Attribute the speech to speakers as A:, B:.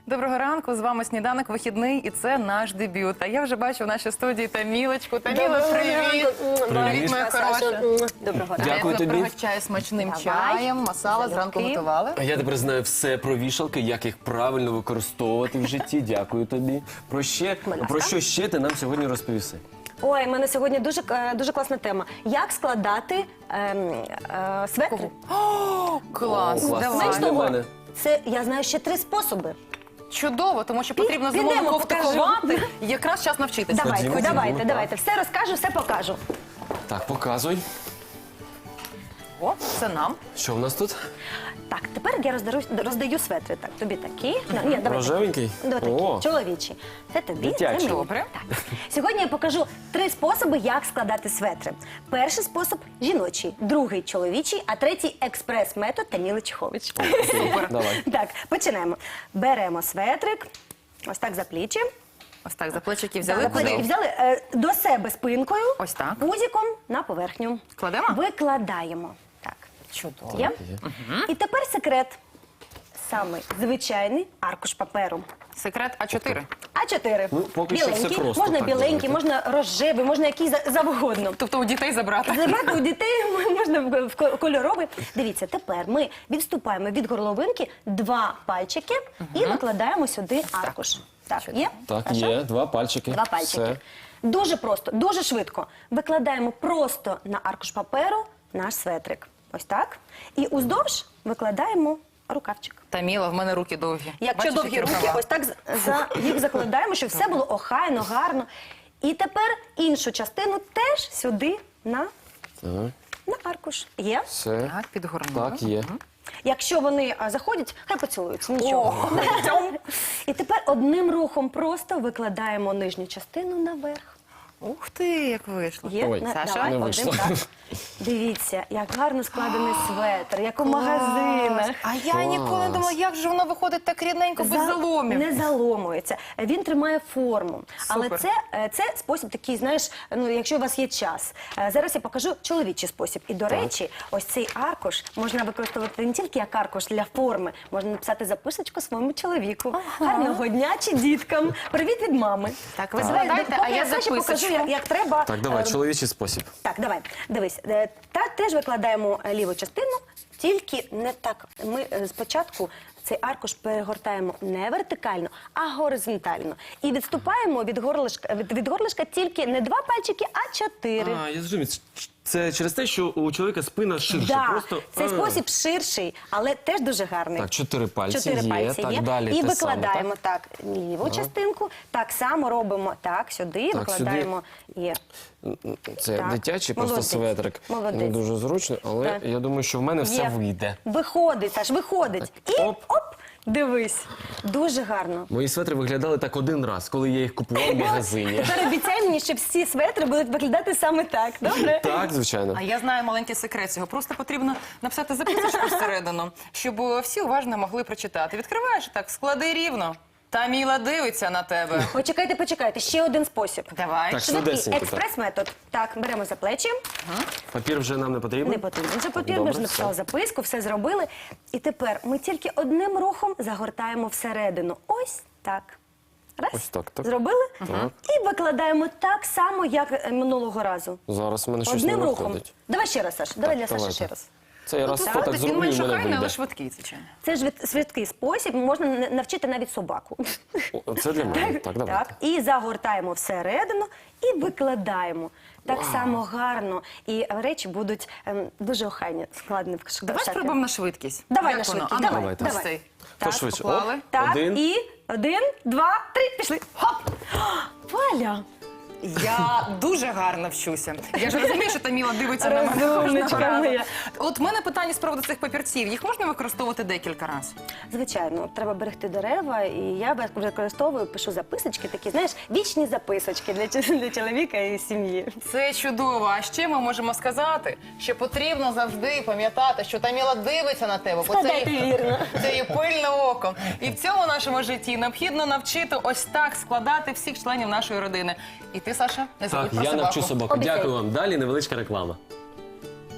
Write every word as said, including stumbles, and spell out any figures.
A: Доброго ранку, з вами «Сніданок вихідний» і це наш дебют. А я вже бачу в нашій студії Тамілочку. Таміла, привіт! Привіт, моя хороша.
B: Доброго ранку.
C: Дякую
A: Я
C: тобі.
A: пригощаю смачним
B: Давай.
A: чаєм, масала зранку
B: Залюбки.
A: готували.
C: А я тепер знаю все про вішалки, як їх правильно використовувати в житті. Дякую тобі. Про, ще, про що ще ти нам сьогодні розповіси?
B: Ой, в мене сьогодні дуже, е, дуже класна тема. Як складати ем, е, светри?
A: О, клас,
C: О, клас.
A: давай.
B: Знаєш
C: Для
B: того,
C: мене.
B: це я знаю ще три способи.
A: Чудово, тому що потрібно
B: підемо,
A: зимову кофту
B: покажу.
A: ховати. Якраз час навчитися.
B: Давайте,
C: Ходімо,
B: давайте,
C: ходімо,
B: давайте. Все розкажу, все покажу.
C: Так, показуй.
A: О, це нам.
C: Що в нас тут?
B: Так, тепер я роздаю, роздаю светри. Так, тобі такі. Ну, ні, давай.
C: Рожевенький?
B: Давай такі,
C: О.
B: чоловічі. Це тобі, це
C: Дитячі.
B: мені.
A: Добре.
B: Так. Сьогодні я покажу три способи, як складати светри. Перший спосіб – жіночий, другий – чоловічий, а третій – експрес-метод Таміли Чехович.
A: Супер.
C: Давай.
B: Так, починаємо. Беремо светрик, ось так за плечі.
A: Ось так, за плечики
B: Так,
A: взяли.
B: за плечі
A: Куди?
B: взяли е, до себе спинкою,
A: Ось так.
B: пузиком на поверхню.
A: Кладемо?
B: Викладаємо. Так.
A: Чудово.
B: Є?
C: Є.
B: І тепер секрет. Самий звичайний аркуш паперу.
A: Секрет А чотири.
B: А чотири.
C: Ну, поки що
B: Біленький,
C: все просто,
B: можна
C: так,
B: біленький,
C: давайте.
B: можна рожевий, можна який за- завгодно.
A: Тобто у дітей забрати.
B: Забрати у дітей можна в- в ко- кольоровий. Дивіться, тепер ми відступаємо від горловинки два пальчики і викладаємо сюди аркуш. Так, є?
C: Так,
B: Хорошо?
C: є. Два пальчики.
B: Два пальчики.
C: Все.
B: Дуже просто, дуже швидко. Викладаємо просто на аркуш паперу наш светрик. Ось так. І уздовж викладаємо рукавчик.
A: Таміла, в мене руки довгі.
B: Якщо
A: Бачиш,
B: довгі
A: які
B: руки,
A: рукава?
B: ось так з- за їх закладаємо, щоб все було охайно, гарно. І тепер іншу частину теж сюди на,
C: Так,
B: на аркуш. Є?
C: все.
A: Так, підгорнула.
C: Так, є.
B: Якщо вони а, заходять, хай поцілуються. Нічого. І тепер одним рухом просто викладаємо нижню частину наверх.
A: Ух ти, як вийшло.
B: Є?
C: Ой,
B: На-
A: Саша?
B: давай,
C: не
B: один,
C: вийшло.
B: так. Дивіться, як гарно складений светр, як у магазинах.
A: А я ніколи не думала, як же воно виходить так рідненько, без
B: За-
A: заломів.
B: Не заломується. Він тримає форму. Але
A: Супер.
B: це, е, це спосіб такий, знаєш, ну якщо у вас є час. Е, Зараз я покажу чоловічий спосіб. І, до речі, ось цей аркуш можна використовувати не тільки як аркуш для форми, можна написати записочку своєму чоловіку. Гарного дня чи діткам. Привіт від мами.
A: Так, ви
B: Давай,
A: складайте,
B: поки
A: а я
B: Саші покажу,
A: записочку.
B: як, як треба.
C: Так, давай,
B: е,
C: чоловічий спосіб.
B: Так, давай, дивись. Е, Та теж викладаємо е, ліву частину, тільки не так. Ми е, спочатку цей аркуш перегортаємо не вертикально, а горизонтально. І відступаємо від горлишка, від, від горлишка тільки не два пальчики, а чотири.
C: А, я зрозумів. Це через те, що у чоловіка спина ширша.
B: Да,
C: Просто...
B: цей
C: а.
B: спосіб ширший, але теж дуже гарний.
C: Так, чотири пальці
B: Чотири
C: є,
B: пальці
C: так,
B: є.
C: далі
B: І
C: те саме,
B: викладаємо так, ліву частинку, так само робимо так, сюди,
C: Так,
B: викладаємо і
C: Це
B: Так.
C: дитячий просто
B: Молодець.
C: светрик.
B: Молодець.
C: Не дуже зручно, але
B: Так.
C: я думаю, що в мене все
B: Є.
C: вийде.
B: Виходить, Саш, виходить.
C: Так,
B: І
C: оп.
B: оп, дивись. Дуже гарно.
C: Мої светри виглядали так один раз, коли я їх купував в магазині.
B: Тепер обіцяй мені, що всі светри будуть виглядати саме так, добре?
C: Так, звичайно.
A: А я знаю маленький секрет цього. Просто потрібно написати записочку всередину, щоб е, всі уважно могли прочитати. Відкриваєш так, склади рівно. Таміла дивиться на тебе.
B: Почекайте, почекайте, ще один спосіб.
A: Давай.
C: Так,
B: Швидкий
C: швидесенько, так.
B: експрес-метод. Так, беремо за плечі,
C: Папір вже нам не потрібен?
B: не потрібно вже папір, ми
C: Добре,
B: вже написали
C: все.
B: записку, все зробили. І тепер ми тільки одним рухом загортаємо всередину. Ось так. Раз,
C: Ось так, так.
B: зробили.
C: Так.
B: І викладаємо так само, як е, минулого разу.
C: Зараз в мене щось не
B: Одним рухом.
C: виходить.
B: Давай ще раз, Саш. Давай для Саші
C: давайте.
B: ще раз.
C: Це я раз
A: Так,
C: так
A: він
C: зроблю, і
A: менш
C: в мене
A: охайний, але
C: вийде.
A: швидкий, звичайно.
B: Це ж від- швидкий спосіб, можна н- навчити навіть собаку.
C: О, це для мене. Так, давайте.
B: Так, і загортаємо всередину і викладаємо. Так само гарно. І речі будуть ем, дуже охайні, складені в кошиках.
A: Давай спробуємо на швидкість.
B: Давай
A: Як
B: на
A: воно?
B: швидкість,
A: А ну,
B: давай,
C: Давайте.
A: ось
B: давай.
A: цей.
C: Хто
A: Так,
C: швидше?
A: поклали.
C: Оп.
B: Так,
C: Один.
B: і один, два, три, пішли. Хоп! Валя!
A: Я дуже гарно вчуся. Я ж розумію, що Таміла дивиться на мене.
B: Розумничка
A: кожного разу.
B: моя.
A: От в мене питання з приводу цих папірців. Їх можна використовувати декілька разів?
B: Звичайно, треба берегти дерева, і я використовую, пишу записочки, такі, знаєш, вічні записочки для, чо- для чоловіка і сім'ї.
A: Це чудово. А ще ми можемо сказати, що потрібно завжди пам'ятати, що Таміла дивиться на тебе. бо це
B: Складайте
A: її-
B: вірно.
A: Це її пильне око. І в цьому нашому житті необхідно навчити ось так складати всіх членів нашої родини. І ти, Саша, не забудь
C: Так,
A: про
C: я
A: собаку.
C: навчу собаку.
B: Обіцяй.
C: Дякую вам. Далі невеличка реклама.